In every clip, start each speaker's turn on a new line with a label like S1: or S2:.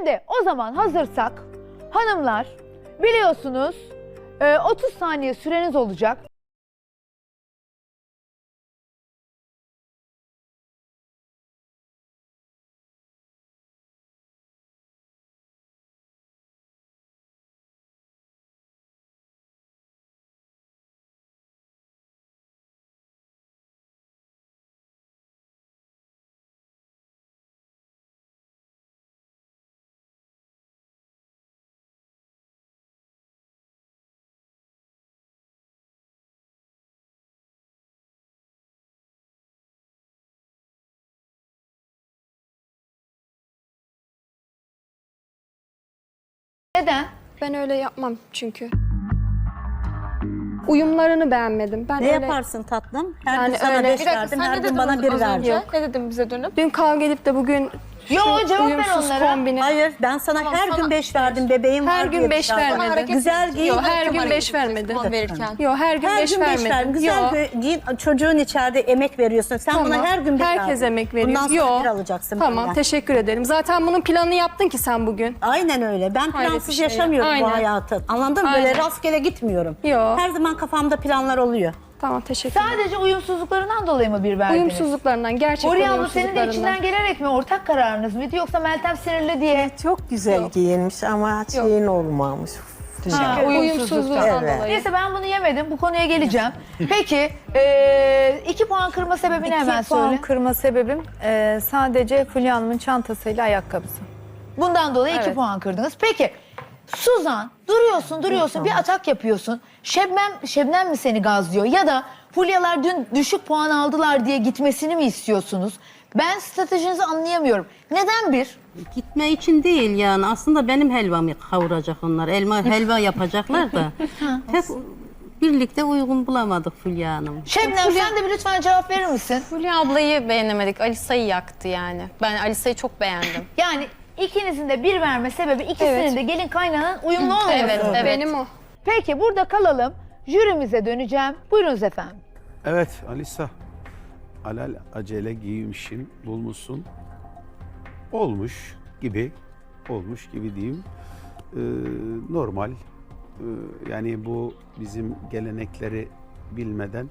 S1: Şimdi o zaman hazırsak hanımlar biliyorsunuz 30 saniye süreniz olacak. Neden?
S2: Ben öyle yapmam çünkü. Uyumlarını beğenmedim. Ben
S3: Ne
S2: öyle...
S3: yaparsın tatlım? Her
S2: Yani
S3: gün sana
S2: öyle-
S3: 5
S2: Bir dakika,
S3: verdim,
S4: Sen
S3: her
S4: ne
S3: gün
S4: dedin
S3: bana 1
S4: az
S3: verdin.
S4: önce? Ne dedim bize dönüp?
S2: Dün kavga edip de bugün
S1: Yo, cevap ver
S2: uyumsuz
S1: onlara.
S2: kombini.
S3: Hayır, ben sana her gün 5 verdim, bebeğim
S2: Her
S3: var
S2: gün
S3: diye
S2: 5
S3: dışarıda.
S2: vermedi.
S4: hareket
S3: Güzel giyin.
S2: Yok, her gün
S4: Hareket
S2: 5 vermedi.
S4: puan verirken.
S2: Yok, her gün
S3: Her
S2: 5
S3: gün 5
S2: vermedi.
S3: verdin. Güzel
S2: Yok.
S3: giyin. Çocuğun içeride emek veriyorsun. Sen
S2: Tamam.
S3: buna her gün 5 verdin.
S2: Herkes emek veriyor.
S3: Bundan sonra
S2: Yok.
S3: 1 alacaksın
S2: Tamam,
S3: benden.
S2: teşekkür ederim. Zaten bunun planını yaptın ki sen bugün.
S3: Aynen öyle. Ben
S2: Hayret
S3: plansız
S2: bir şey.
S3: yaşamıyorum bu
S2: Aynen.
S3: hayatı. Anladın mı? Böyle
S2: Aynen.
S3: rastgele gitmiyorum.
S2: Yok.
S3: Her zaman kafamda planlar oluyor.
S2: Tamam, teşekkür ederim.
S1: Sadece uyumsuzluklarından dolayı mı bir verdiniz?
S2: Uyumsuzluklarından, gerçekten
S1: Huriye abla senin de
S2: uyumsuzluklarından.
S1: içinden gelerek mi ortak kararınız mıydı yoksa Meltem sinirli diye?
S5: Çok güzel giyinmiş ama şeyin olmamış.
S1: Ha,
S2: Uyumsuzluktan
S5: Evet.
S2: dolayı.
S1: Neyse ben bunu yemedim. Bu konuya geleceğim. Peki 2 puan kırma sebebini hemen
S6: 2 puan
S1: söyle.
S6: kırma sebebim sadece Fulya Hanım'ın çantasıyla ayakkabısı.
S1: Bundan dolayı 2
S6: Evet.
S1: puan kırdınız. Peki Suzan duruyorsun bir atak yapıyorsun. Şebnem mi seni gazlıyor ya da Fulyalar dün düşük puan aldılar diye gitmesini mi istiyorsunuz? Ben stratejinizi anlayamıyorum. Neden bir?
S3: Gitme için değil yani. Aslında benim helvamı kavuracak onlar. Helva yapacaklar da. Hep birlikte uygun bulamadık Fulya Hanım.
S1: Şebnem sen de bir lütfen cevap verir misin?
S4: Fulya ablayı beğenemedik. Alisa'yı yaktı yani. Ben Alisa'yı çok beğendim.
S1: Yani ikinizin de bir verme sebebi ikisinin de gelin kaynağının uyumlu olması.
S4: Evet.
S2: Benim o.
S1: Peki burada kalalım. Jürimize döneceğim. Buyurunuz efendim.
S7: Evet Alisa, alal acele giymişsin, bulmuşsun. Olmuş gibi diyeyim. Normal. Yani bu bizim gelenekleri bilmeden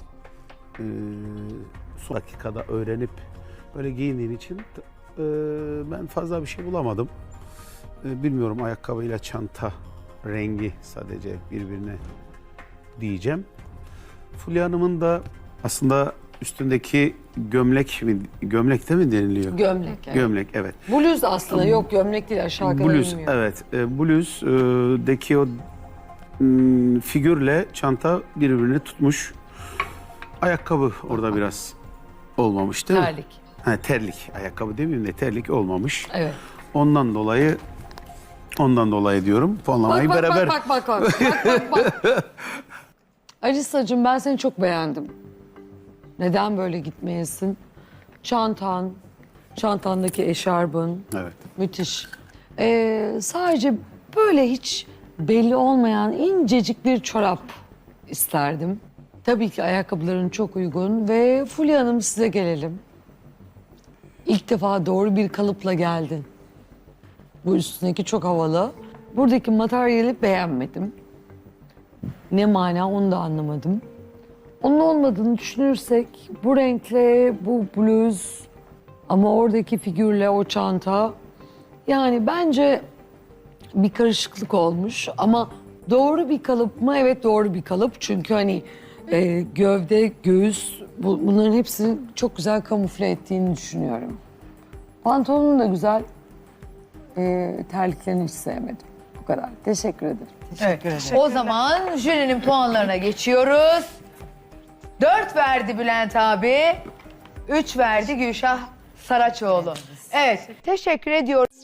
S7: son dakikada öğrenip böyle giyindiğin için ben fazla bir şey bulamadım. Bilmiyorum, ayakkabıyla çanta rengi sadece birbirine diyeceğim. Fulya Hanım'ın da aslında üstündeki gömlek mi deniliyor?
S8: Gömlek. Evet.
S7: Gömlek, evet.
S8: Bluz aslında yok gömlek değil aşağı kadar
S7: Bluz,
S8: inmiyor.
S7: evet. Bluz'daki o figürle çanta birbirini tutmuş. Ayakkabı orada biraz olmamış değil mi?
S8: Terlik.
S7: Ha, terlik. Ayakkabı demeyeyim de terlik olmamış.
S8: Evet.
S7: Ondan dolayı diyorum. Puanlamayı beraber.
S8: Bak. Alisa'cığım ben seni çok beğendim. Neden böyle gitmeyesin? Çantandaki eşarbın
S7: Evet.
S8: müthiş. Sadece böyle hiç belli olmayan incecik bir çorap isterdim. Tabii ki ayakkabıların çok uygun ve Fulya Hanım size gelelim. İlk defa doğru bir kalıpla geldin. Bu üstündeki çok havalı. Buradaki materyali beğenmedim. Ne mana onu da anlamadım. Onun olmadığını düşünürsek bu renkle bu bluz ama oradaki figürle o çanta yani bence bir karışıklık olmuş ama doğru bir kalıp mı? Evet doğru bir kalıp çünkü hani gövde, göğüs bunların hepsini çok güzel kamufle ettiğini düşünüyorum. Pantolonun da güzel. Terliklerini hiç sevmedim. Bu kadar. Teşekkür ederim.
S1: Evet. O zaman jürinin puanlarına geçiyoruz. 4 verdi Bülent abi. 3 verdi Gülşah Saraçoğlu. Evet. Teşekkür ediyorum.